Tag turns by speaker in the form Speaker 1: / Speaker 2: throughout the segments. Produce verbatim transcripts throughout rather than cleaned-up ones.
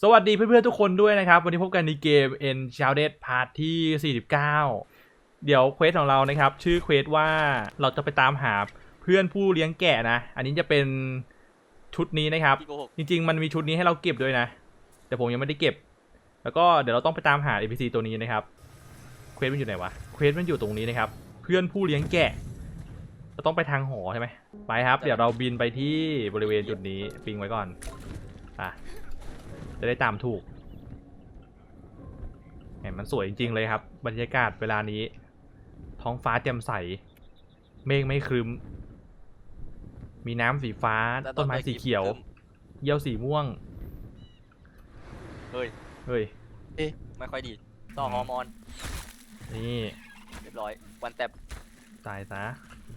Speaker 1: สวัสดีเพื่อนๆทุกคนด้วยนะครับวันนี้พบกันในเกม Enchanted Part ที่สี่สิบเก้าเดี๋ยวเควสของเรานะครับชื่อเควสว่าเราจะไปตามหาเพื่อนผู้เลี้ยงแกะนะอันนี้จะเป็นชุดนี้นะครับจริงๆมันมีชุดนี้ให้เราเก็บด้วยนะแต่ผมยังไม่ได้เก็บแล้วก็เดี๋ยวเราต้องไปตามหา เอ็น พี ซี ตัวนี้นะครับเควสมันอยู่ไหนวะเควสมันอยู่ตรงนี้นะครับเพื่อนผู้เลี้ยงแกะเราต้องไปทางหอใช่ไหมไปครับเดี๋ยวเราบินไปที่บริเวณจุดนี้ปิงไว้ก่อนอ่ะจะได้ตามถูกเห็นมันสวยจริงๆเลยครับบรรยากาศเวลานี้ท้องฟ้าแจ่มใสเมฆไม่ครึ้มมีน้ำสีฟ้าต้นไม้สีเขียวเยี่ยวสีม่วง
Speaker 2: เฮ้ย
Speaker 1: เฮ้ย
Speaker 2: เอ๊ะไม่ค่อยดีต่อฮอร์โมน
Speaker 1: นี่
Speaker 2: เรียบร้อยวันแตบ
Speaker 1: ตายซะ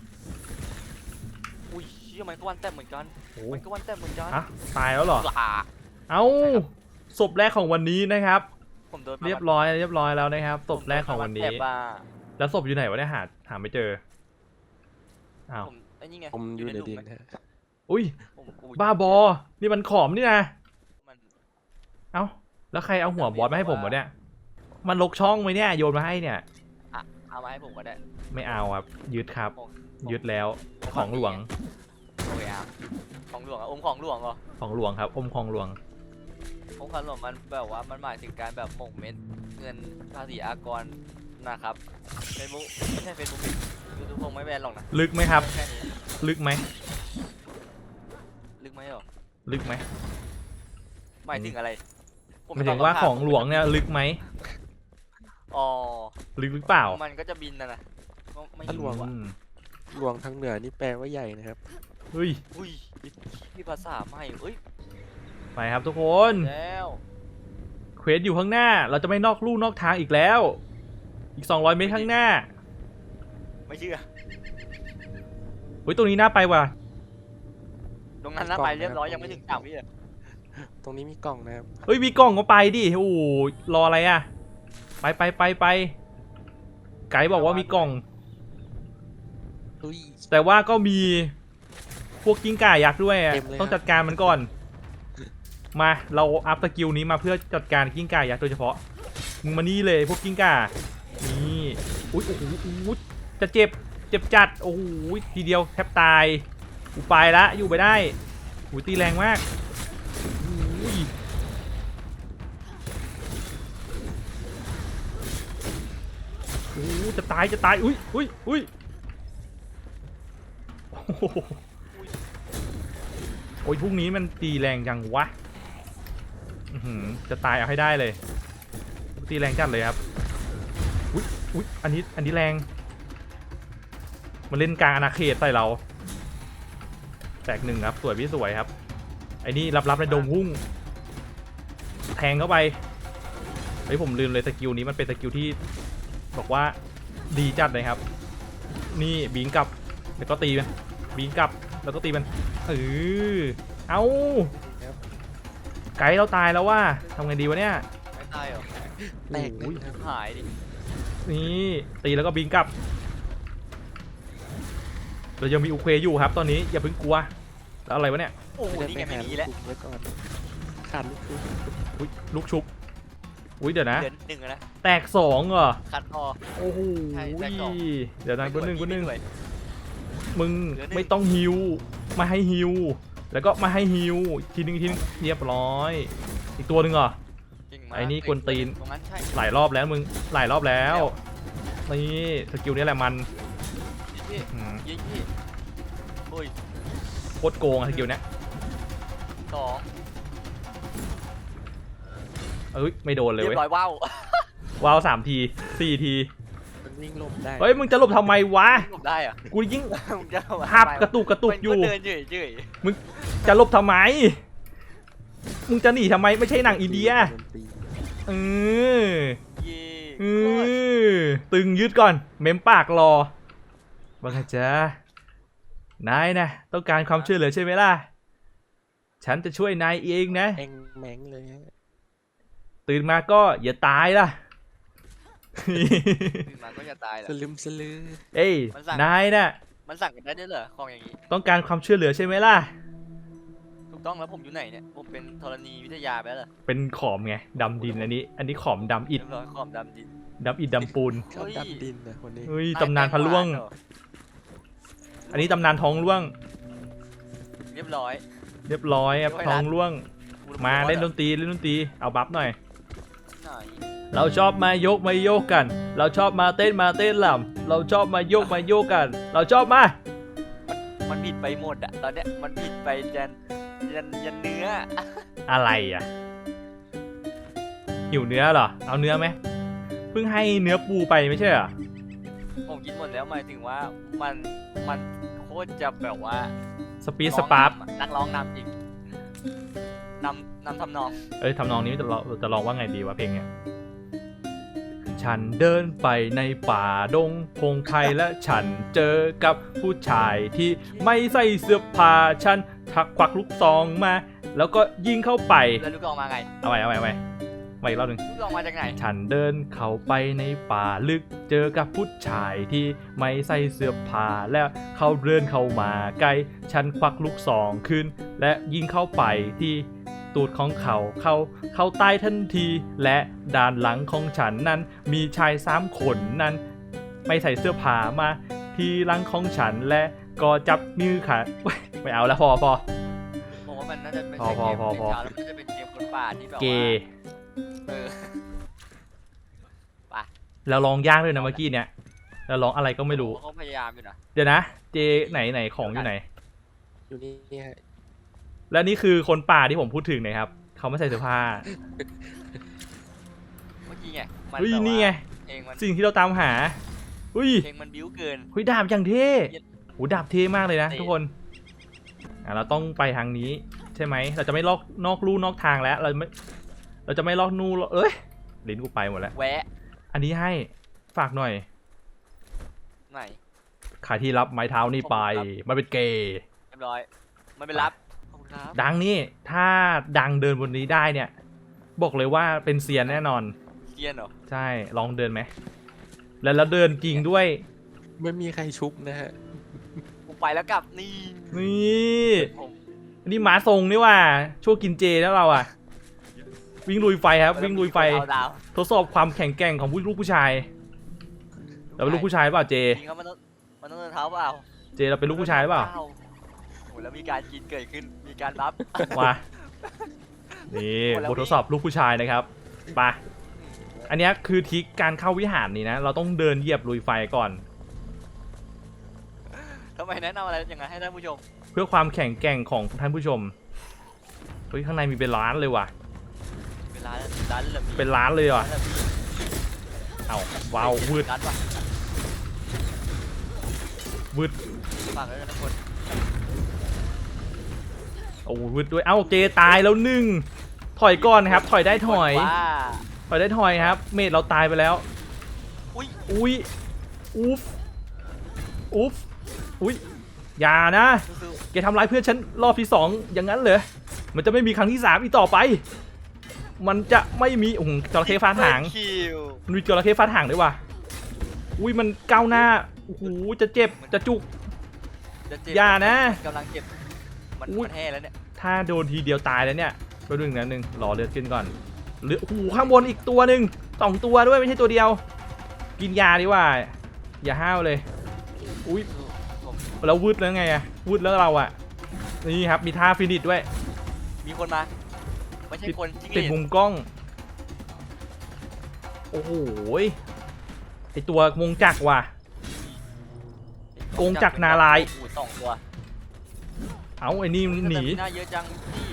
Speaker 2: อุ้ยเชื่อมันก็วันแตบเหมือนกันมันก็วันแตบเหมือนกัน
Speaker 1: อ่ะตายแล้วเหรอเอ้าศพแรกของวันนี้นะครับเรียบร้อยเรียบร้อยแล้วนะครับศพแรกของวันนี้แล้วศพอยู่ไหนวะเนี่ยหาหาไม่เจออ้าว
Speaker 2: ไอ้นี่ไง
Speaker 3: ผมอยู่ในดินฮะ
Speaker 1: อุ้ยบ้าบอนี่มันขอมนี่นะเอ้าแล้วใครเอาหัวบอสมาให้ผมวะเนี่ยมันลกช่องไหมเนี่ยโยนมาให้เนี่ย
Speaker 2: อ่ะเอามาให้ผมก็ได้
Speaker 1: ไม่เอาครับยึดครับยึดแล้วของหลวง
Speaker 2: โอ้ยอ่ะของหลวงอะอมของหลวงเหรอ
Speaker 1: ของหลวงครับอมของหลวง
Speaker 2: อมของหลวงมันแบบว่ามันหมายถึงการแบบหม่งเม็ดเงินภาษีอากรนะครับเฟซบุ๊กไม่ใช่เฟซบุ๊กยูทูบคงไม่แบนหรอกนะ
Speaker 1: ลึกไหมครับลึกไหม
Speaker 2: ลึกไหมหรอ
Speaker 1: ลึกไหม
Speaker 2: หมายถึงอะไร
Speaker 1: หมายถึงว่าของหลวงเนี่ยลึกไหม
Speaker 2: อ๋อ
Speaker 1: ลึกหรือเปล่า
Speaker 2: มันก็จะบินนะนะ
Speaker 3: ถ้าหลวงหลวงทางเหนือนี่แปลว่าใหญ่นะครับ
Speaker 1: เฮ้ย
Speaker 2: อุ้ยมีภาษาใหม่เอ้ย
Speaker 1: ไปครับทุกคน
Speaker 2: แล้ว
Speaker 1: เควสอยู่ข้างหน้าเราจะไม่นอกลู่นอกทางอีกแล้วอีกสองร้อยเมตรข้างหน้า
Speaker 2: ไม่เชื่อ
Speaker 1: เฮ้ยตรงนี้น่าไปว่ะ
Speaker 2: ตรงนั้นน่าไปเรียบร้อยยังไม่ถึงสามวิเลย
Speaker 3: ตรงนี้มีกล่องนะครับ
Speaker 1: เฮ้ยมีกล่องก็ไปดิโอ้รออะไรอ่ะไปไปไปไปไกด์บอกว่ามีกล่องแต่ว่าก็มีพวกกิ้งก่ายักษ์ด้วยต้องจัดการมันก่อนมาเราอัพสกิลนี้มาเพื่อจัดการกิ้งก่ายักษ์โดยเฉพาะมึงมานี่เลยพวกกิ้งก่านี่อุ้ยโอ้โหจะเจ็บเจ็บจัดโอ้โหทีเดียวแทบตายกูไปละอยู่ไปได้หูตีแรงมากโอ้โหจะตายจะตายอุ้ยอุ้ยอุ้ยโอ้ยพวกนี้มันตีแรงจังวะจะตายเอาให้ได้เลยตีแรงจัดเลยครับอุ้ยอุ้ยอันนี้อันนี้แรงมันเล่นกลางอาณาเขตใส่เราแตกหนึ่งครับสวยพี่สวยครับไอ้นี่รับๆในโดมพุ่งแทงเข้าไปเฮ้ยผมลืมเลยสกิลนี้มันเป็นสกิลที่บอกว่าดีจัดเลยครับนี่บิงกลับแล้วก็ตีมันบิงกลับแล้วก็ตีมันเออเอาไกด์เราตายแล้วว่าทำไงดีวะเนี่ย
Speaker 2: ไม่ตายหรอ
Speaker 3: แตก
Speaker 2: หายดิ
Speaker 1: นี่ตีแล้วก็บิงกลับเรายังมีอุเควอยู่ครับตอนนี้อย่าเพิ่งกลัวแล้วอะไรวะเนี่ย
Speaker 2: โอ้โหนี่ไงไม่มีแล้ว
Speaker 3: ขาดลูกชุบ
Speaker 1: อุ้ยลูกชุบอุ้ยเดี๋ยวนะ
Speaker 2: หนึ่งนะ
Speaker 1: แตกสองเหรอ
Speaker 2: คัดออ
Speaker 1: โอ้โหเดี๋ยวนะกูหนึ่งกูหนึ่งมึงไม่ต้องฮิวมาให้ฮิวแล้วก็มาให้ฮิวทีนึงทีนึงเรียบร้อยอีกตัวหนึ่งเหรอไอ้นี่กวนตีนหลายรอบแล้วมึงหลายรอบแล้วนี่สกิลนี้แหละมันโคตรโกงสกิลนี้
Speaker 2: สอง
Speaker 1: เอ้ยไม่โดนเลยเว้ย
Speaker 2: ว้าว
Speaker 1: ว้าวสามทีสี่ที
Speaker 3: มันวิ่งหลบได้
Speaker 1: เฮ้ยมึงจะหลบทำไมวะ
Speaker 2: หลบได้อะ
Speaker 1: กูยิ่งหับกระตุกกระตุกอยู่มึงจะหลบทำไมมึงจะหนีทำไมไม่ใช่หนังอินเดียเออเออตึงยืดก่อนเม้มปากรอว่าไงจ๊ะนายนะต้องการความช่วยเหลือใช่ไหมล่ะฉันจะช่วยนายเองนะ
Speaker 3: เองแม่งเลย
Speaker 1: ตื่นมาก็อย่าตายล่ะ
Speaker 2: ตื่นมาก็อย่าตายล่ะ
Speaker 3: สลืมสลือ
Speaker 1: เอ้ยนายน่ะ
Speaker 2: มันสั่งกันได้ด้วยเหรอของอย่างนี้
Speaker 1: ต้องการความช่วยเหลือใช่ไหมล่ะ
Speaker 2: ถูกต้องแล้วผมอยู่ไหนเนี่ยผมเป็นธรณีวิทยาไปแล้วเหรอ
Speaker 1: เป็นขอมไงดำดินอันนี้ อันนี้ขอมดำอิ
Speaker 2: เรี
Speaker 1: ด
Speaker 2: ยบร้อยขอบดำดิน
Speaker 1: ดำอิดดำปูน
Speaker 3: ชอบดำดินนะคนนี้
Speaker 1: เฮ้ยตำนานพระล่วง อันนี้ตำนานท้องร่วง
Speaker 2: เรียบร้อย
Speaker 1: เรียบร้อยครับท้องร่วง มาเล่นด
Speaker 2: ต
Speaker 1: นตรีเล่นดนตรีเอาบัฟหน่อย
Speaker 2: ไหน
Speaker 1: เราชอบมายกมาโยกกัน เราชอบมาเต้นมาเต้นลำเราชอบมาโยกมาโยกกัน เราชอบมา
Speaker 2: มันผิดไปหมดอะตอนเนี้ยมันผิดไปยันยันยันเนื้อ
Speaker 1: อะไรอ่ะหิวเนื้อเหรอ เอาเนื้อไหมเพิ่งให้เนื้อปูไปไม่ใช่เหรอ
Speaker 2: ผมกินหมดแล้วหมายถึงว่ามันมันโคตรจะแบบว่า
Speaker 1: สปีดสปาร์ฟ
Speaker 2: นักร้องนำอีกนำนำทำนอง
Speaker 1: เอ้ยทำนองนี้จะลองจะลองว่าไงดีวะเพลงเนี้ยฉันเดินไปในป่าดงพงไพรและฉันเจอกับผู้ชายที่ไม่ใส่เสื้อผ้าฉันทักควักลูกซองมา แล้วก็ยิงเข้าไป
Speaker 2: แล้วลูกกองมาไง
Speaker 1: เอาไว้เอาไว้เอาไว้มาอีกรอบหนึ่ง
Speaker 2: ลูกกองมาจากไหน
Speaker 1: ฉันเดินเข้าไปในป่าลึกเจอกับผู้ชายที่ไม่ใส่เสื้อผ้าแล้วเขาเดินเข้ามาใกล้ฉันควักลูกซองขึ้น และยิงเข้าไปที่ตูดของเขาเขาเขาตายทันที และด้านหลังของฉันนั้นมีชายสามคนนั้น ไม่ใส่เสื้อผ้ามาที่หลังของฉันและก็จับมือขาไม่เอาแล้วพอพอ
Speaker 2: ผมว่ามันน่าจะเป็น
Speaker 1: พอพอพอพอ
Speaker 2: เกมแล้วมันน่าจะเป็นเกมคนป่าที่แบบ
Speaker 1: เก
Speaker 2: ว่า
Speaker 1: ย์
Speaker 2: เออ
Speaker 1: แล้วร้องยากด้วยนะเมื่อกี้เนี่ยแล้วร้องอะไรก็ไม่รู้
Speaker 2: เขาพยายามอยู่นะ
Speaker 1: เดี๋ยวนะเจไหนไหนของอยู่ไหน
Speaker 3: อยู่นี่เนี่ย
Speaker 1: และนี่คือคนป่าที่ผมพูดถึงนะครับเขาไม่ใส่เสื้อผ้า
Speaker 2: เมื่อกี้ไงมัน
Speaker 1: เฮ้ย
Speaker 2: แบบว่า
Speaker 1: นี่ไง
Speaker 2: เพลงมัน
Speaker 1: สิ่งที่เราตามหาเฮ้ย
Speaker 2: เพลงมันบิ้วเกิน
Speaker 1: เฮ้ยดาบอย่างเท่โหดาบเท่มากเลยนะ
Speaker 2: เท่
Speaker 1: ทุกคนอ่ะเราต้องไปทางนี้ใช่ไหมเราจะไม่ลอกนอกลู่นอกทางแล้วเราไม่เราจะไม่ลอกนู่เอ้ยลิ้นกูไปหมดแล้ว
Speaker 2: แวะ
Speaker 1: อันนี้ให้ฝากหน่อย
Speaker 2: ไหน
Speaker 1: ขายที่รับไม้เท้านี่ไป
Speaker 2: ขอบคุณครับ
Speaker 1: มันเป็นเกย์
Speaker 2: เรียบร้อยมันเป็นรับขอบคุณครับ
Speaker 1: ดังนี่ถ้าดังเดินบนนี้ได้เนี่ย บอกเลยว่าเป็นเซียนแน่นอน
Speaker 2: เกียนเหรอ
Speaker 1: ใช่ลองเดินไหมแล้วแล้วเดินจริงด้วย
Speaker 3: ไม่มีใครชุบนะฮะ
Speaker 2: กูไปแล้วกลับนี่
Speaker 1: นี่
Speaker 2: ผม
Speaker 1: อันนี้หมาทรงนี่ว่าช่วงกินเจแล้วเราอะวิ่งลุยไฟครับ วิ่งลุยไฟ
Speaker 2: เอาดาว
Speaker 1: ทดสอบความแข็งแกร่งของผู้ลูกผู้ชายเราเป็นลูกผู้ชายหรือเปล่าเจ
Speaker 2: จริงครับมันต้องมันต้องเดินเท้าเปล่า
Speaker 1: เจเราเป็นลูกผู้ชายหรือเปล่า
Speaker 2: โอ้โหแล้วมีการกินเกิดขึ้นมีการบัฟ
Speaker 1: มานี่
Speaker 2: โอ้แล้ว
Speaker 1: บททดสอบลูกผู้ชายนะครับไปอันเนี้ยคือทริคการเข้าวิหารนี่นะ เราต้องเดินเหยียบลุยไฟก่อน
Speaker 2: ทำไมแนะนำอะไรอย่างนั้นให้ท่านผู้ชม
Speaker 1: เพื่อความแข็งแกร่งของท่านผู้ชมเฮ้ยข้างในมีเป็นล้านเลยว่ะ
Speaker 2: เป็นร้านร้านระเบียง
Speaker 1: เป็นล้านเลยว่ะ
Speaker 2: ร้านระเบียง
Speaker 1: เอ้าว้าววืด
Speaker 2: ร้านว่ะ
Speaker 1: วืด
Speaker 2: ฝากไว้ด้วยนะคน
Speaker 1: โอ้วืดด้วยเอ้าเจตายแล้วหนึ่งถอยก่อนนะครับ ถอยได้ถอย
Speaker 2: ว่า
Speaker 1: ถอยได้ถอยครับ เมดเราตายไปแล้ว
Speaker 2: อุ้ย
Speaker 1: อุ้ยอุ๊ฟอุ๊ฟอุ้ยอย่านะ
Speaker 2: สู้
Speaker 1: แกทำร้ายเพื่อนฉันรอบที่สองอย่างนั้นเหรอมันจะไม่มีครั้งที่สามอีกต่อไป มันจะไม่มีโอ้โหจระเข้ฟาดหาง
Speaker 2: คิว
Speaker 1: มันมีจระเข้ฟาดหางด้วยว่ะอุ้ยมันก้าวหน้าโอ้โหจะเจ็บจะจุก
Speaker 2: จะเจ็บ
Speaker 1: อย่านะ
Speaker 2: กำลังเจ็บมัน
Speaker 1: อุ๊ย
Speaker 2: มันแห่แล้วเนี่ย
Speaker 1: ถ้าโดนทีเดียวตายแล้วเนี่ยไปดูหนึ่งนะหนึ่งรอเลือดขึ้นก่อนเลือดโอ้โหข้างบนอีกตัวหนึ่งสองตัวด้วยไม่ใช่ตัวเดียว กินยาดีกว่า อย่าห้าวเลยอุ้ย
Speaker 2: ผม
Speaker 1: แล้ววืดแล้วไงอะวืดแล้วเราอะนี่ครับมีท่าฟินิชด้วย
Speaker 2: มีคนมาไม่ใช่คนจริง
Speaker 1: ติดมุมกล้องโอ้โหไอตัววงจักรว่ะ กงจักรนาลายณ์
Speaker 2: โอ้โหสองตัว
Speaker 1: เอาไอ้นี่หนี
Speaker 2: หน้าเยอะจังพี่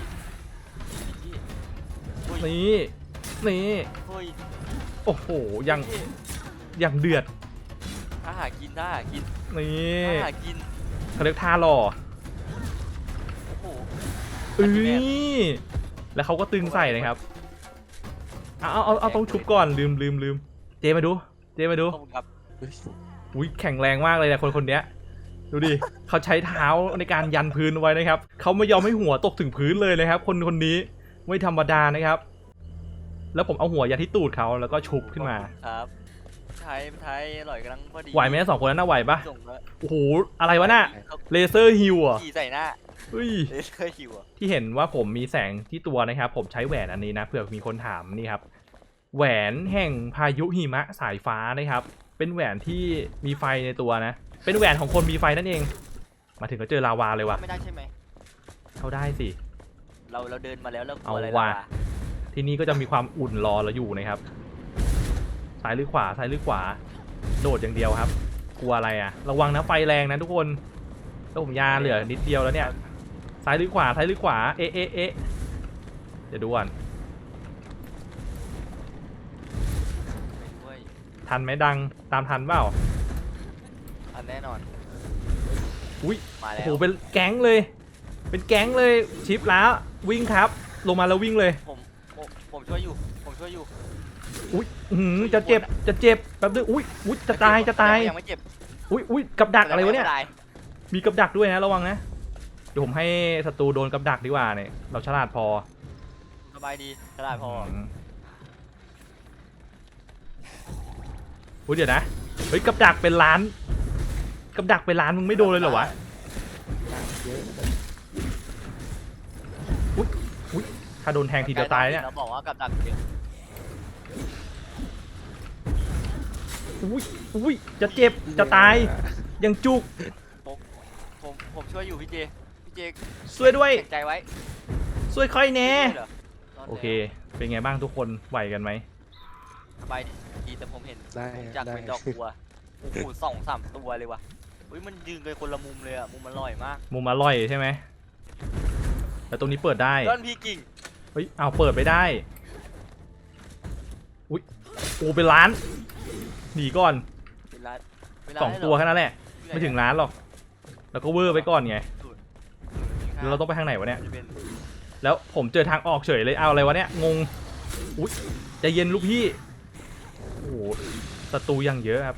Speaker 2: อุ้ย
Speaker 1: นี่นี่
Speaker 2: เฮ้ย
Speaker 1: โอ้โหยังยังเดือด
Speaker 2: ถ้าหากินถ้าหากิน
Speaker 1: นี่
Speaker 2: ถ้าหากิน
Speaker 1: เขาเรียกท่าหล่อ
Speaker 2: โอ้โห
Speaker 1: เอ้ยแล้วเขาก็ตึงใส่นะครับเอาเอาเอาเอาต้องชุบก่อนลืมลืมลืมเจมาดู เจมาดู
Speaker 2: ขอบคุณครับ
Speaker 3: เฮ้ย
Speaker 1: อุ้ยแข็งแรงมากเลยนะคนคนเนี้ยดูดิเขาใช้เท้าในการยันพื้นไว้นะครับเขาไม่ยอมให้หัวตกถึงพื้นเลยนะครับ คนคนนี้ไม่ธรรมดานะครับ แล้วผมเอาหัวยันที่ตูดเขาแล้วก็ชุบขึ้นมา
Speaker 2: ครับไทยไทยอร่อยกำลังพอดี
Speaker 1: ไหวไหมสองคนนั้นน่ะไหวปะ
Speaker 2: ส่งแล้ว
Speaker 1: โอ้โหอะไรวะน่ะเลเซอร์ฮิวอ่ะ
Speaker 2: ขี่ใส่หน้า
Speaker 1: เฮ้ย
Speaker 2: เลเซอร์คิวอะ
Speaker 1: ที่เห็นว่าผมมีแสงที่ตัวนะครับผมใช้แหวนอันนี้นะเผื่อมีคนถามนี่ครับแหวนแห่งพายุหิมะสายฟ้านะครับเป็นแหวนที่มีไฟในตัวนะเป็นแหวนของคนมีไฟนั่นเองมาถึงก็เจอลาวาเลยว่ะ
Speaker 2: ไม่ได้ใช่ไหม
Speaker 1: เข้าได้สิ
Speaker 2: เราเราเดินมาแล้วเรากลั
Speaker 1: เอา
Speaker 2: วอะไร
Speaker 1: ว่ะ
Speaker 2: ล่ะ
Speaker 1: ที่นี่ก็จะมีความอุ่นรอเราอยู่นะครับซ้ายหรือขวาซ้ายหรือขวาโดดอย่างเดียวครับกลัวอะไรอ่ะระวังนะไฟแรงนะทุกคนแล้วผมยาเหลือนิดเดียวแล้วเนี่ยซ้ายหรือขวาซ้ายหรือขวาเอ๊ะเอ๊ะเอ๊ะเดี๋ยวดูก่อน
Speaker 2: เว้ย
Speaker 1: ทันไหมดังตามทันเปล่า
Speaker 2: อันแน่นอน
Speaker 1: อุ้ย
Speaker 2: มา
Speaker 1: โอ้
Speaker 2: แล้
Speaker 1: โห
Speaker 2: ว
Speaker 1: เป็นแก๊งเลย เป็นแก๊งเลยชิปแล้ววิ่งครับ ลงมาแล้ววิ่งเลย
Speaker 2: ผมผมผมช่วยอยู่ผมช่วยอยู่
Speaker 1: อุ้ยอื้อหือจะเจ็บจะเจ็บแป๊บนึงอุ้ยอุ้ยจะตายจะตาย
Speaker 2: ยังไม่เจ็บ
Speaker 1: อุ้ยอุ้ยกับดักอะไรวะเนี่ย
Speaker 2: ม่ตา
Speaker 1: มีกับดักด้วยนะระวังนะเดี๋ยวผมให้ศัตรูโดนกับดักดีกว่าเนี่ยเราฉลาดพอ
Speaker 2: สบายดีฉลาดพอ
Speaker 1: มอุ้ยเดี๋ยวนะเฮ้ยกับดักเป็นล้านกับดักเป็นล้านมึงไม่โดนเลยเหรอวะ
Speaker 3: เยอะ
Speaker 1: ถ้าโดนแทงทีเดียวตายเนี่ย
Speaker 2: เราบอกว่ากับดักเยอะ
Speaker 1: อุ้ยอุ้ยจะเจ็บจะตายยังจุก
Speaker 2: ผมผมช่วยอยู่พี่เจพี่เจ
Speaker 1: ช่วยด้วย
Speaker 2: แข็งใจไว้
Speaker 1: ช่วยค่อยแน่
Speaker 2: ช่วยเหรอรด
Speaker 1: โอเค
Speaker 2: แล้ว
Speaker 1: เป็นไงบ้างทุกคนไหวกันไหม
Speaker 2: สบายดีแต่ผมเห็น
Speaker 3: ได้
Speaker 2: ผมจาก
Speaker 3: ได้
Speaker 2: เป็นดอกบัวโอ้โหสองสามตัวเลยว่ะอุ้ยมันยืนกันคนละมุมเลยอะมุมมันอร่อยมาก
Speaker 1: มุมอร่อยใช่ไหมแต่ตรงนี้เปิดได้
Speaker 2: ย้อนพี่กิ่ง
Speaker 1: เฮ้ยเอาเปิดไปได้อุ้ยโอ้เป็นล้านหนีก่อน
Speaker 2: เวลาเวลา
Speaker 1: สอง
Speaker 2: ได้เหร
Speaker 1: ตัวแค่นั้นแหละไม่ถึงล้านหรอกแล้วก็เวอร์ไปก่อนไงแล้วเราต้องไปทางไหนวะเนี่ย
Speaker 2: จะเป็น
Speaker 1: แล้วผมเจอทางออกเฉยเลยเอาอะไรวะเนี่ยงงอุ้ยใจะเย็นลูกพี่โอ้โหศัตรูยังเยอะครับ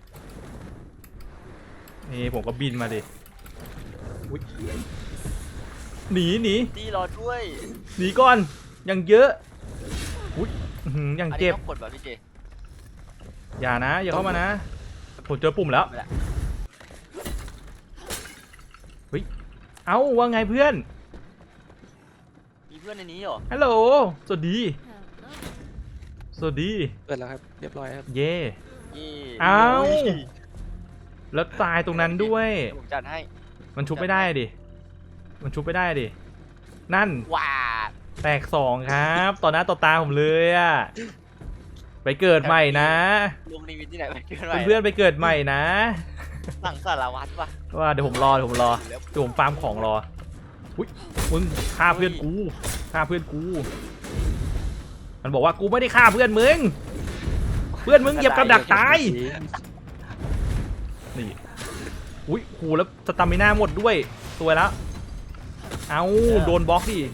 Speaker 1: นี่ผมก็บินมาดิอุ๊ยหนีหนี
Speaker 2: ตีรอด้วย
Speaker 1: หนีก่อนยังเยอะอุ้ยอื้อหือยัง
Speaker 2: อันนี้
Speaker 1: เจ็บ
Speaker 2: ต้องกดป่ะพี่เจ
Speaker 1: อย่านะอย่าเข้ามานะผมเจอปุ่มแล้ว
Speaker 2: ไม่ละ
Speaker 1: เอ้าว่าไงเพื่อน
Speaker 2: มีเพื่อนในนี้เหรอ
Speaker 1: ฮัลโหลสวัสดีสวัสดี
Speaker 3: เปิดแล้วครับเรียบร้อยครับ
Speaker 1: เย่
Speaker 2: เย่
Speaker 1: เอ้า
Speaker 2: โย
Speaker 1: แล้วตายตรงนั้นด้วย
Speaker 2: เดี๋ยวผมจัดให้
Speaker 1: มันชุบไม่ได้ดิ มันชุบไม่ได้ดิ นั่น
Speaker 2: ว้า
Speaker 1: แตกสองครับ ต่อหน้าต่อตาผมเลยอะไปเกิดใหม่นะ
Speaker 2: ลงนิมิตที่ไหนไปเพื่อน
Speaker 1: เพื่อนๆไปเกิดใหม่นะ
Speaker 2: หลังสารวัตรป่ะ
Speaker 1: ว่าเดี๋ยวผมรอเดี๋ยวผมรอเดี๋ยวผมฟาร์มของรอ อุ้ยมึงฆ่าเพื่อนกูฆ่าเพื่อนกู มันบอกว่ากูไม่ได้ฆ่าเพื่อนมึง เพื่อนมึงเหยียบกับดักตาย นี่ อุ้ยโหแล้วสตามิน่าหมดด้วยสวยแล้ว เอาโดนบล็อกดิ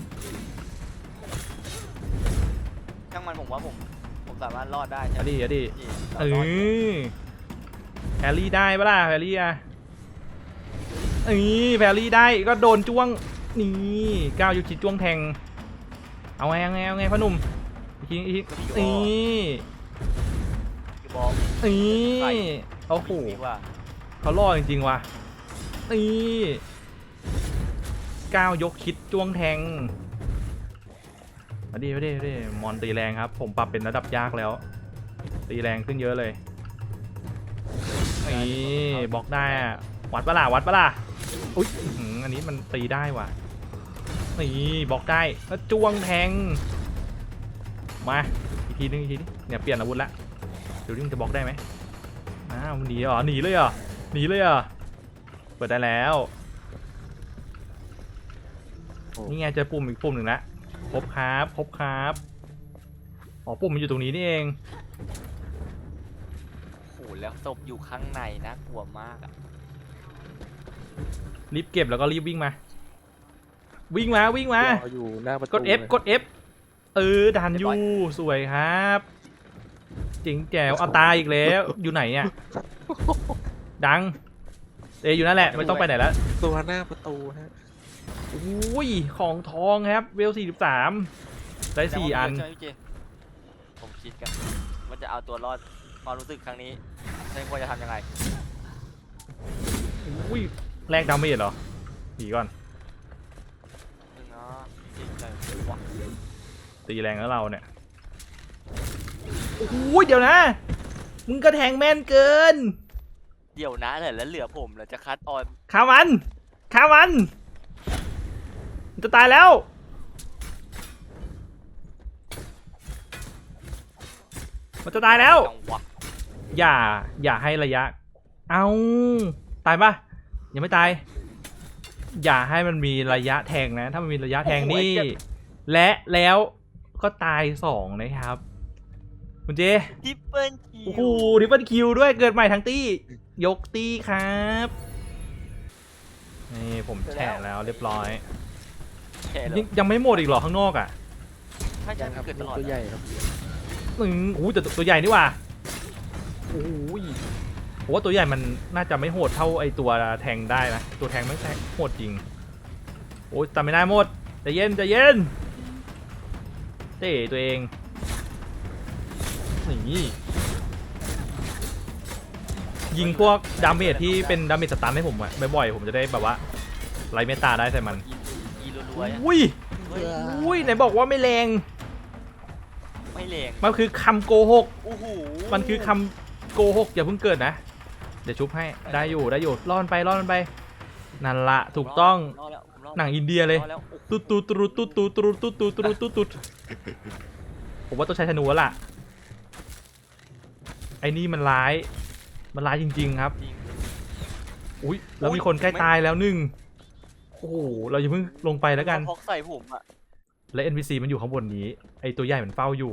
Speaker 2: ช่างมันผมว่าผมผมสามารถรอดได้
Speaker 1: เอาดิเอาดิ
Speaker 2: พี่
Speaker 1: เอ
Speaker 2: เรารอดอยู่
Speaker 1: อแพรรี่ได้ปะล่ะแพรรี่อะเออแพรรี่ได้ก็โดนจ้วง นี่ก้าวยูคิจ้วงแทง เอาไงเอาไงเอาไงพ่อหนุ่มอีกทีอีกทีนี่
Speaker 2: คือบอก
Speaker 1: นี่โอ้โห
Speaker 2: ดีกว่า
Speaker 1: เขาล่อจริงๆว่ะนี่ก้าวยกคิดจ้วงแทงมาดิมาดิมาดิมอนตีแรงครับ ผมปรับเป็นระดับยากแล้ว ตีแรงขึ้นเยอะเลยนี่บล็อกได้อะวัดปะล่ะวัดปะล่ะอุ๊ยอื้อหืออันนี้มันตีได้ว่ะนี่บล็อกได้แล้วจ้วงแทงมาอีกทีนึงอีกทีนึงเนี่ยเปลี่ยนอาวุธละเดี๋ยวนี้มันจะบล็อกได้ไหมอ้าวมันหนีเหรอหนีเลยเหรอหนีเลยเหรอเปิดได้แล้วนี่ไงเจอปุ่มอีกปุ่มหนึ่งละครบครับครบครับอ๋อปุ่มมันอยู่ตรงนี้นี่เอง
Speaker 2: โอ้โหแล้วศพอยู่ข้างในนะกลัวมากอะ
Speaker 1: รีบเก็บแล้วก็รีบวิ่งมา วิ่งมาวิ่งมาร
Speaker 3: ออยู่หน้าประตู
Speaker 1: กด F กด F เออดันอยู่สวยครับจริงแจ๋วเอาตายอีกแล้วอยู่ไหนเนี่ยดังเอยอยู่นั่นแหละไม่ต้องไปไหนแล้ว
Speaker 3: ตัวหน้าประตูฮะ
Speaker 1: อุ้ยของทองครับเวลสี่สิบสามได้สี่อัน
Speaker 2: ใช่ไหมพี่เจผมคิดกันว่าจะเอาตัวรอดความรู้สึกครั้งนี้ฉันควรจะทำยังไง
Speaker 1: อุ้ยแลกดาเมจเหรอหนีก่อน
Speaker 2: วะ
Speaker 1: ตีแรงแล้วเราเนี่ยโอ้โหเดี๋ยวนะมึงก็แทงแม่นเกิน
Speaker 2: เดี๋ยวนะเนี่ยแล้วเหลือผมแล้วจะคัดออน
Speaker 1: ฆ่ามันฆ่ามันมันจะตายแล้วมันจะตายแล้ว
Speaker 2: จังหวะ
Speaker 1: อย่าอย่าให้ระยะเอาตายปะยังไม่ตาย อย่าให้มันมีระยะแทงนะ ถ้ามันมีระยะแทงนี่ และแล้วก็ตายสองนะครับคุณเจ
Speaker 2: ทิปเปิลคิ
Speaker 1: โอ้โห
Speaker 2: ว
Speaker 1: ดิปเปิลคิวด้วยเกิดใหม่ทั้งตี้ยกตี้ครับนี่ผมแฉะแล้วเรียบร้อย
Speaker 2: แค่เหรอ
Speaker 1: ยังยังไม่หมดอีกเหรอข้างนอกอ่ะ
Speaker 2: ใช่ใช่
Speaker 3: ยังครับ
Speaker 2: เกิดต
Speaker 3: นี่
Speaker 2: ลอด
Speaker 3: ตัวใหญ่ครับ
Speaker 1: อืมโอ้โหแต่ตัวใหญ่นี่หว่าโอ้ยผมว่าตัวใหญ่มันน่าจะไม่โหดเท่าไอตัวแทงได้นะตัวแทงไม่แทงโหดจริงโอ้ยจำไม่ได้หมดใจเย็นใจเย็นเต้ตัวเองนี่ยิงพวกดาเมจที่เป็นดาเมจสตันให้ผมอะบ่อยๆผมจะได้แบบว่าไล่เมตตาได้ใส่มัน
Speaker 2: อีรัวๆอะ
Speaker 1: อุ้ย
Speaker 2: เฮ้ย
Speaker 1: อุ้ยไหนบอกว่าไม่แรง
Speaker 2: ไม่แรง
Speaker 1: มันคือคำโกหก
Speaker 2: โอ้โห
Speaker 1: มันคือคำโกหกอย่าเพิ่งเกิดนะเดี๋ยวชุบให้ได้อยู่ได้อยู่รอดไปรอดไปนั่นละถูกต้อง
Speaker 2: รอดแล้วผมรอด
Speaker 1: หนังอินเดียเลย
Speaker 2: รอดแล้วโอ้โห
Speaker 1: ตุ๊ดตุ๊ดตุ๊ดตุ๊ดตุ๊ดตุ๊ดตุ๊ดตุ๊ดตุ๊ดตุ๊ดตุ๊ดผมว่าต้องใช้ธนูแล้วล่ะไอ้นี่มันร้ายมันร้ายจริงๆครับ
Speaker 2: จริง
Speaker 1: อุ้ยแล้วมีคนใกล้ตายแล้วหนึ่งโอ้โหเราอย่าเพิ่งลงไปแล้วกัน
Speaker 2: พกใส่ผมอ่ะ
Speaker 1: และ เอ็น พี ซี มันอยู่ข้างบนนี้ไอตัวใหญ่มันเฝ้าอยู่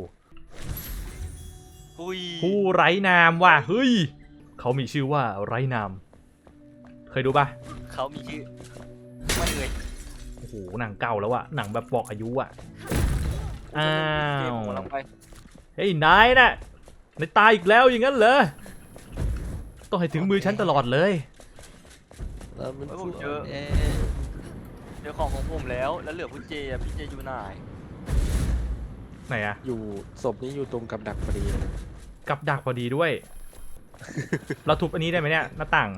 Speaker 2: อุ้ย
Speaker 1: ผู้ไร้นามว่ะเฮ้ยเขามีชื่อว่าไร้นามเคยดูปะ
Speaker 2: เขามีชื่อไม่เลย
Speaker 1: โอ้โหหนังเก่าแล้วอะหนังแบบบอกอายุอะอ้า
Speaker 2: เกม
Speaker 1: ว
Speaker 2: ผมกำลังไป
Speaker 1: เฮ้ยนายน่ะนายตายอีกแล้วอย่างนั้นเหรอต้องให้ถึงมือฉันตลอดเลย
Speaker 3: แล้วมัน
Speaker 2: เฮ้ยผ
Speaker 3: สู้
Speaker 2: มเจอ
Speaker 3: แอ
Speaker 2: เจอของของผมแล้วแล้วเหลือพี่เจอ่ะพี่เจอยู่ไหน
Speaker 1: ไหนอะ
Speaker 3: อยู่ศพนี้อยู่ตรงกับดักพอดีเลย
Speaker 1: กับดักพอดีด้วย เราทุบอันนี้ได้ไหมเนี่ยหน้าต่าง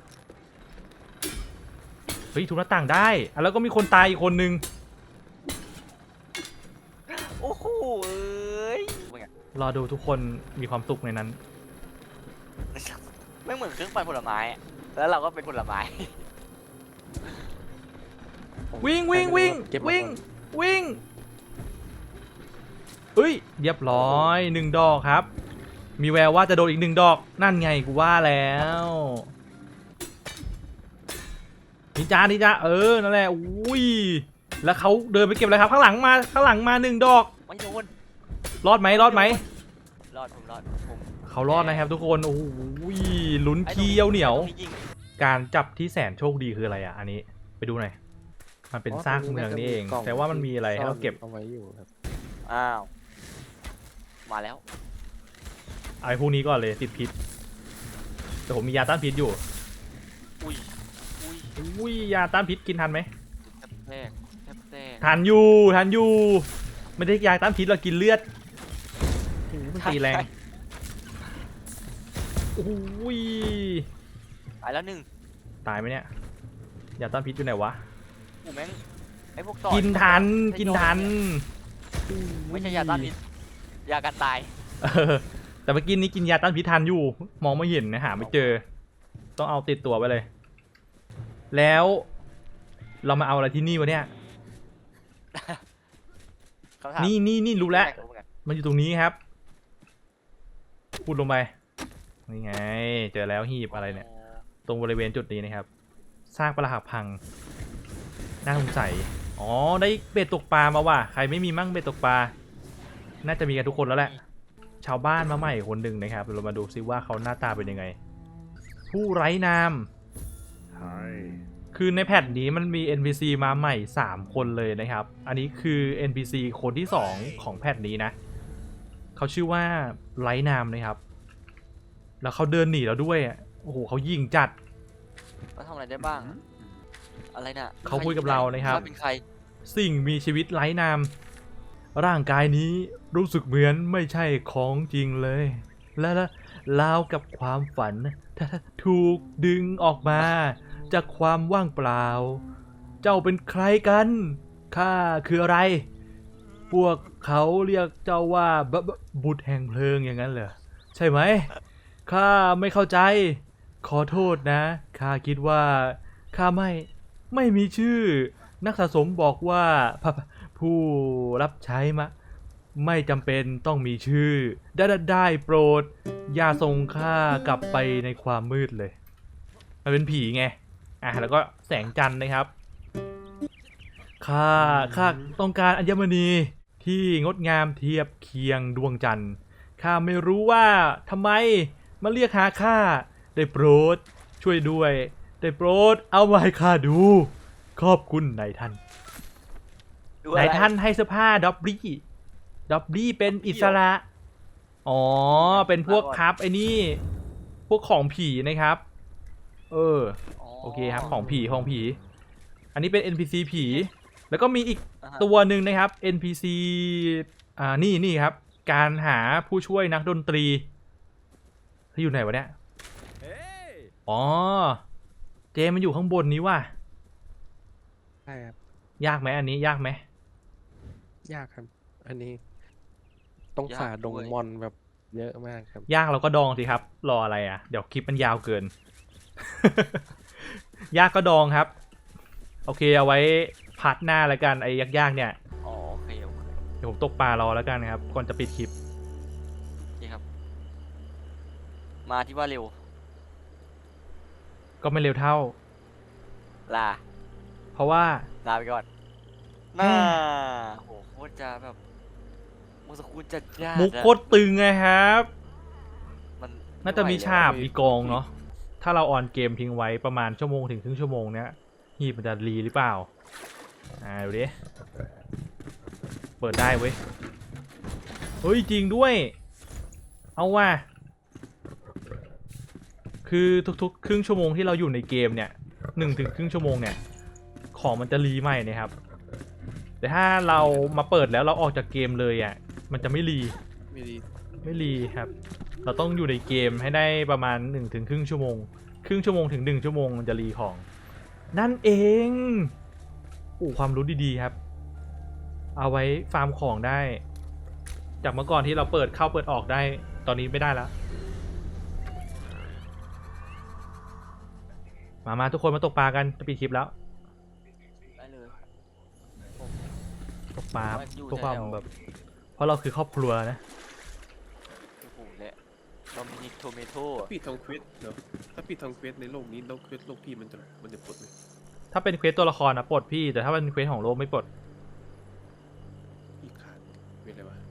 Speaker 1: เฮ้ยทุบหน้าต่างได้อ่ะแล้วก็มีคนตายอีกคนนึง
Speaker 2: โอ้โหเอ้ยเป็นไง
Speaker 1: รอดูทุกคนมีความสุขในนั้น
Speaker 2: ไม่เหมือนเครื่องปั่นผลไม้อะแล้วเราก็เป็นผลไม้
Speaker 1: วิ่งวิ่งวิ่ง
Speaker 3: เก็บมา
Speaker 1: วิ่ง
Speaker 3: ก่อน
Speaker 1: วิ่งเฮ้ยเรียบร้อยหนึ่งดอกครับ มีแววว่าจะโดนอีกหนึ่งดอกนั่นไงกูว่าแล้วนิจ้านิจ้าเออนั่นแหละอุ้ยแล้วเขาเดินไปเก็บอะไรครับข้างหลังมาข้างหลังมาหนึ่งดอก
Speaker 2: ไม่โดน
Speaker 1: รอดไหมรอดไหม
Speaker 2: รอดผมรอดผม
Speaker 1: เขารอดนะครับทุกคนโอ้โหลุ้นเคี้ยวเหนียว
Speaker 2: ไอ้ตรงยิง
Speaker 1: การจับที่แสนโชคดีคืออะไรอ่ะอันนี้ไปดูหน่อยมันเป็นซากเมืองนี่เอง
Speaker 3: กล่
Speaker 1: แต่ว่ามันมีอะไรให้เราเก็บ
Speaker 3: เอาไว้อยู่ครับ
Speaker 2: อ้าวมาแล้ว
Speaker 1: เอาไอ้พวกนี้ก่อนเลยติดพิษแต่ผมมียาต้านพิษอยู่
Speaker 2: อุ้ยอุ้ย
Speaker 1: อุ้ยยาต้านพิษกินทันไหม
Speaker 2: แทบแตกแทบแตก
Speaker 1: ทันอยู่ทันอยู่ไม่ได้ยาต้านพิษเรากินเลือดโอ้โหมันตีแรงโอ้ย
Speaker 2: ตายแล้วหนึ่ง
Speaker 1: ตายไหมเนี่ยยาต้านพิษอยู่ไหนวะ
Speaker 2: กูแม่งไอ้พวกต่อ
Speaker 1: กินทันกินทัน
Speaker 2: ไม่ใช่ยาต้านพิษยากันตาย
Speaker 1: เออแต่เมื่อกี้นี้กินยาต้านพิษทันอยู่มองไม่เห็นนะหาไม่เจอ ต้องเอาติดตัวไปเลย แล้วเรามาเอาอะไรที่นี่วะเนี่ย
Speaker 2: คำถาม
Speaker 1: นี่นี่นี่รู้แล้ว
Speaker 2: รู้ไง
Speaker 1: มันอยู่ตรงนี้ครับพูดลงไปนี่ไงเจอแล้วหีบอะไรเนี่ย ตรงบริเวณจุดนี้นะครับซากปรักหักพังน่าสงสัยอ๋อได้เบ็ดตกปลามาว่ะใครไม่มีมั่งเบ็ดตกปลาน่าจะมีกันทุกคนแล้วแหละชาวบ้านมาใหม่คนหนึ่งนะครับเรามาดูซิว่าเขาหน้าตาเป็นยังไง ผู้ไร้นามคือในแพทนี้มันมี เอ็น พี ซี มาใหม่สามคนเลยนะครับอันนี้คือ เอ็น พี ซี คนที่สองของแพทนี้นะเขาชื่อว่าไร้นามนะครับแล้วเขาเดินหนีเราด้วยอ่ะโอ้โหเขายิงจัด
Speaker 2: เขาทำอะไรได้บ้างอะอะไรน่ะ
Speaker 1: เขาคุยกับเรานะครับ
Speaker 2: เขาเป็นใคร
Speaker 1: สิ่งมีชีวิตไร้นามร่างกายนี้รู้สึกเหมือนไม่ใช่ของจริงเลย และและราวกับความฝันถ้าถูกดึงออกมาจากความว่างเปล่า เจ้าเป็นใครกันข้าคืออะไรพวกเขาเรียกเจ้าว่าบบบบุตรแห่งเพลิงอย่างนั้นเหรอใช่ไหมข้าไม่เข้าใจขอโทษนะข้าคิดว่าข้าไม่ไม่มีชื่อ นักสะสมบอกว่าพะผู้รับใช้มะไม่จำเป็นต้องมีชื่อได้ได้ได้โปรดอย่าส่งข้ากลับไปในความมืดเลยมันเป็นผีไงอ่ะแล้วก็แสงจันทร์นะครับข้าข้าต้องการอัญมณีที่งดงามเทียบเคียงดวงจันทร์ข้าไม่รู้ว่าทำไมมาเรียกหาข้าได้โปรดช่วยด้วยได้โปรดเอามาให้ข้าดูขอบคุณนายท่าน
Speaker 2: ดูอะไร
Speaker 1: นายท่านให้เสื้อผ้าด็อบบี้ด็อบบี้เป็นอิสระ อ๋อ เป็นพวกครับไอ้นี่ พวกของผีนะครับ เออ โอเคครับ ของผี ของผี อันนี้เป็น เอ็น พี ซี ผี แล้วก็มีอีก
Speaker 2: อ่าฮะ
Speaker 1: ตัวหนึ่งนะครับ เอ็น พี ซี อ่า นี่นี่ครับ การหาผู้ช่วยนักดนตรีที่อยู่ไหนวะเนี่ย อ๋อ เจมันอยู่ข้างบนนี้ว่ะ
Speaker 3: ใช่ครับ
Speaker 1: ยากไหมอันนี้ ยากไหม
Speaker 3: ยากครับ อันนี้ ต้อง
Speaker 2: ยาก
Speaker 3: ฝ่าดง
Speaker 2: ด้วย
Speaker 3: มอนแบบเยอะมากครับ
Speaker 1: ยากเราก็ดองสิครับ รออะไรอ่ะ เดี๋ยวคลิปมันยาวเกิน ยากก็ดองครับ โอเคเอาไว้พาร์ทหน้าแล้วกันไอ้ยากๆเนี่ย
Speaker 2: อ๋อโอเคโอเค
Speaker 1: เดี๋ยวผมตกปลารอแล้วกันครับ ก่อนจะปิดคลิป
Speaker 2: นี่ครับ มาที่ว่าเร็ว
Speaker 1: ก็ไม่เร็วเท่า
Speaker 2: ลา
Speaker 1: เพราะว่า
Speaker 2: ลาไปก่อนน่าโหโคตรจะแบบมุสกุลจัดจ้าน
Speaker 1: มุกโคตรตึงไงครับ
Speaker 2: มัน
Speaker 1: น่าจะมี
Speaker 2: ไไหว
Speaker 1: ฉาบ
Speaker 2: แล้ว
Speaker 1: มีกองเนาะ ถ้าเราออนเกมทิ้งไว้ประมาณชั่วโมงถึงครึ่งชั่วโมงเนี้ยหีบมันจะรีหรือเปล่า อ่าดูดิ เปิดได้เว้ย เฮ้ยจริงด้วย เอาว่ะ คือทุกๆ ครึ่งชั่วโมงที่เราอยู่ในเกมเนี่ยหนึ่งถึงครึ่งชั่วโมงเนี่ย ของมันจะรีใหม่นะครับ แต่ถ้าเรามาเปิดแล้วเราออกจากเกมเลยอ่ะ มันจะไม่รี
Speaker 3: ไม่ดี
Speaker 1: ไม่รีครับ เราต้องอยู่ในเกมให้ได้ประมาณหนึ่งถึงครึ่งชั่วโมง ครึ่งชั่วโมงถึงหนึ่งชั่วโมงมันจะรีของ นั่นเองโอ้ความรู้ดีๆครับ เอาไว้ฟาร์มของได้ จากเมื่อก่อนที่เราเปิดเข้าเปิดออกได้ ตอนนี้ไม่ได้แล้ว มามาทุกคนมาตกปลากันจะปิดคลิปแล้ว
Speaker 2: ได้เลย
Speaker 1: ตกปลา
Speaker 2: ว่าอยู่
Speaker 1: เพื่อความ
Speaker 2: แถวๆ
Speaker 1: แบบ เพราะเราคือครอบครัวนะ
Speaker 2: โอ้โหและโดมินิกโทเมโต้
Speaker 4: ปิดทองเควสเนาะถ้าปิดทองเควสในโลกนี้แล้วเควสโลกพี่มันจะมันจะปลดไหม
Speaker 1: ถ้าเป็นเควสตัวละครนะปลดพี่ แต่ถ้าเป็นเควสของโลกไม่ปลด
Speaker 4: พี่ขาดเควสอะไรวะ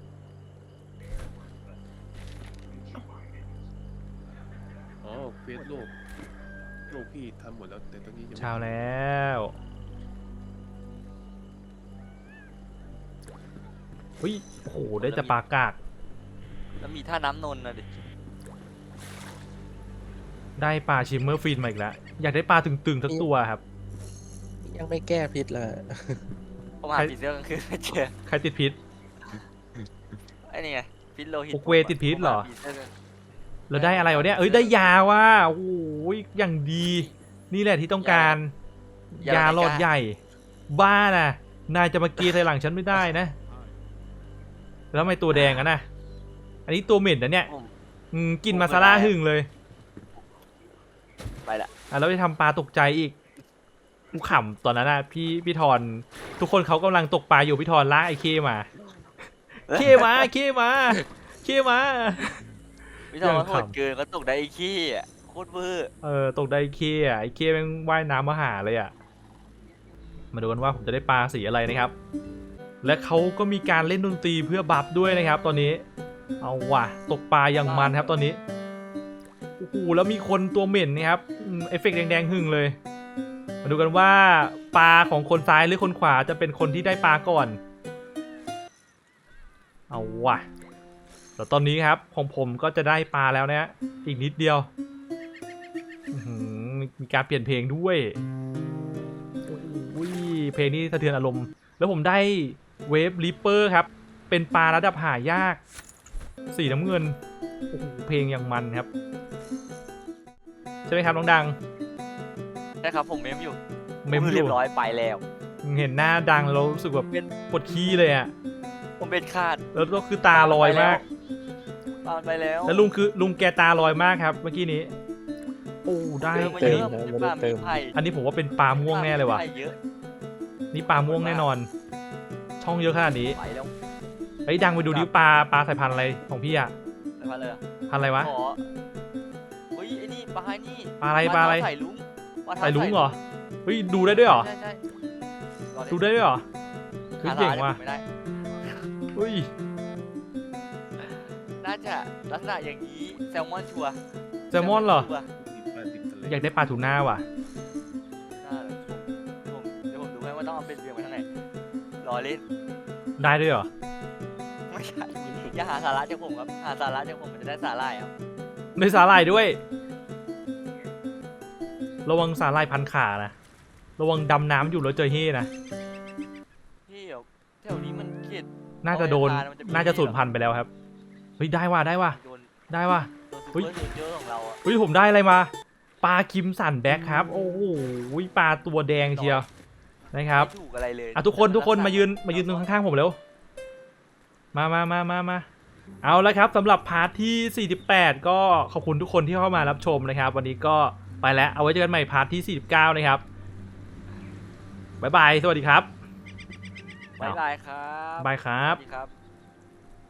Speaker 4: อ๋อเควสโลกโลกพี่ทำหมดแล้วแต่ตอนนี้ยังไม่
Speaker 1: เช้าแล้ว เฮ้ย โอ้โห ได้จะปลากาก
Speaker 2: แล้วมีท่าน้ำนนท์นะดิ
Speaker 1: ได้ปลาชิมเมอร์ฟินมาอีกแล้ว อยากได้ปลาตึงๆสักตัวครับ
Speaker 3: ยังไม่แก้พิษเลย
Speaker 2: ผมหา
Speaker 1: ใคร
Speaker 2: ผีเสื้อกลางคืนไม่เจอ
Speaker 1: ใครติดพิษ
Speaker 2: ไอ้นี่ไงพิษโลหิต
Speaker 1: โอเวติดพิษเหรอ
Speaker 2: ผมาผีสื้อกลาง
Speaker 1: แล้วได้อะไรวะเนี่ย เอ้ย ได้ยาว่ะโอ้โหอย่างดี นี่แหละที่ต้องการ ยาหลอดใหญ่ บ้าน่ะ นายจะมากีใส่หลังฉันไม่ได้นะ แล้วทำไมตัวแดงอะนะ อันนี้ตัวเหม็นนะเนี่ย
Speaker 2: ผม
Speaker 1: อืมกินมาซาร่าหึงเลย
Speaker 2: ไปละ
Speaker 1: อ่ะแล้วไปทำปลาตกใจอีกกูขำตอนนั้นนะพี่พี่ทอนทุกคนเขากำลังตกปลาอยู่พี่ทอนลากไอ้เคมา เคมาเคมาเคมา
Speaker 2: พี่ทอง
Speaker 1: ยัง
Speaker 2: โหด
Speaker 1: ขำ
Speaker 2: เกินก็ตกได้ไอ้ขี้อะโคตรเวอร์
Speaker 1: เออตกได้ไอ้เคอ่ะไอ้เคแม่งว่ายน้ำมาหาเลยอ่ะมาดูกันว่าผมจะได้ปลาสีอะไรนะครับ และเขาก็มีการเล่นดนตรีเพื่อบัฟด้วยนะครับ ตอนนี้เอาว่ะตกปลาอย่างมันครับตอนนี้โอ้โหแล้วมีคนตัวเหม็นนะครับอืมเอฟเฟกต์แดงๆหึ่งเลย มาดูกันว่าปลาของคนซ้ายหรือคนขวาจะเป็นคนที่ได้ปลาก่อน เอาว่ะแล้วตอนนี้ครับของผมก็จะได้ปลาแล้วนะฮะอีกนิดเดียวอื้อหือมีการเปลี่ยนเพลงด้วยโอ้ยเพลงนี้สะเทือนอารมณ์ แล้วผมได้เวฟลิปเปอร์ครับ เป็นปลาระดับหายาก สีน้ำเงินโอ้โหเพลงอย่างมันครับ ใช่ไหมครับน้องดัง
Speaker 2: ใช่ครับผมเมมอยู่
Speaker 1: เมม
Speaker 2: ผ
Speaker 1: อ
Speaker 2: เรีย
Speaker 1: ยู่
Speaker 2: บร้อยไปแล้ว
Speaker 1: เห็นหน้าดังแล้วรู้สึกแบบ
Speaker 2: เป็น
Speaker 1: ปวดขี้เลยอ่ะ
Speaker 2: ผมเบ็ดขาด
Speaker 1: แล้วก็คือตาลอยมาก
Speaker 2: ปลามันไปแล้ว
Speaker 1: แล้วลุงคือลุงแกตาลอยมากครับ เมื่อกี้นี้โอ้ได้
Speaker 2: เจอมา
Speaker 3: เติ
Speaker 2: เย
Speaker 3: ม
Speaker 2: อะ
Speaker 3: นะ
Speaker 2: มี
Speaker 3: ไม่
Speaker 2: ป
Speaker 3: ได้
Speaker 2: ลา
Speaker 3: เติ
Speaker 2: มี
Speaker 3: ม
Speaker 2: ไผ่
Speaker 1: อันนี้ผมว่าเป็นปลาม่วงแน่เลยว่ะ
Speaker 2: มีไผ่เยอะ
Speaker 1: นี่ปลาม่วงแน่นอน ช่องเยอะขนาดนี้
Speaker 2: ไปแล้ว
Speaker 1: เฮ้ยดังไปดูดิปลาปลาสายพันธุ์อะไรของพี่อะ
Speaker 2: ไปพันเลยเหรอ
Speaker 1: พันธุ์อะไรวะ
Speaker 2: ขอเฮ้ยไอ้นี่ปลาไอ้นี่
Speaker 1: ปลาอะไรปลาอะไร
Speaker 2: เท้ใส่ลุงปาเท้า
Speaker 1: ใส่ลุงเหรอเฮ้ยดูได้ด้วยเหรอ
Speaker 2: ใช่ใช่รอ
Speaker 1: ดูได้ด้วยเหรอเฮ้ย
Speaker 2: หา
Speaker 1: เก่ง
Speaker 2: ร้าน
Speaker 1: ว่ะ
Speaker 2: ไม่ได้
Speaker 1: เฮ้ย
Speaker 2: น่าจะลักษณะอย่างนี้แซลมอนชัวร์
Speaker 1: แซลมอนเหรอ
Speaker 2: ชัวร์
Speaker 4: ติดปลาติดทะเล
Speaker 1: อยากได้ปลาทูน่าว่ะ
Speaker 2: น่าเลยผมเดี๋ยวผมดูให้ว่าต้องเอาเป็นเรียงไปทางไหนรอเล่น
Speaker 1: ได้ด้วยเหรอ
Speaker 2: ไม่ใช่อย่าหาสาระจากผมครับหาสาระจากผมมันจะได้สาหร่ายครับ
Speaker 1: ในสาหร่ายด้วย ระวังสาหร่ายพันขานะ ระวังดำน้ำอยู่แล้วเจอเฮ่นะ
Speaker 2: พี่เดี๋ยวแถวนี้มันเขต
Speaker 1: น่าจะโดน
Speaker 2: เอาไปทานมันจะมี
Speaker 1: น่าจะสูญพันธุ์ไปแล้วครับ เฮ้ยได้ว่ะได้ว่ะ
Speaker 2: โดน
Speaker 1: ได้ว่ะ
Speaker 2: โดน
Speaker 1: เฮ้
Speaker 2: ซู
Speaker 1: ย
Speaker 2: เปอร์โซลเจอร์ของเราอะ
Speaker 1: เฮ้ยผมได้อะไรมา ปลาคิมสันแบ็คครับ โอ้โหปลาตัวแดงเชียวนะครับ
Speaker 2: ไม่ถูกอะไรเลย
Speaker 1: อ่ะทุกคนทุกคนมายืนมายืนตรงข้างๆผมเร็ว มามามามามาเอาละครับสำหรับพาร์ทที่สี่สิบแปดก็ขอบคุณทุกคนที่เข้ามารับชมนะครับ วันนี้ก็ไปแล้วเอาไว้เจอกันใหม่พาร์ทที่สี่สิบเก้านะครับบ๊ายบายสวัสดีครับ
Speaker 2: บ๊ายบายครับ
Speaker 1: บายครับ
Speaker 2: สวัสดีครับ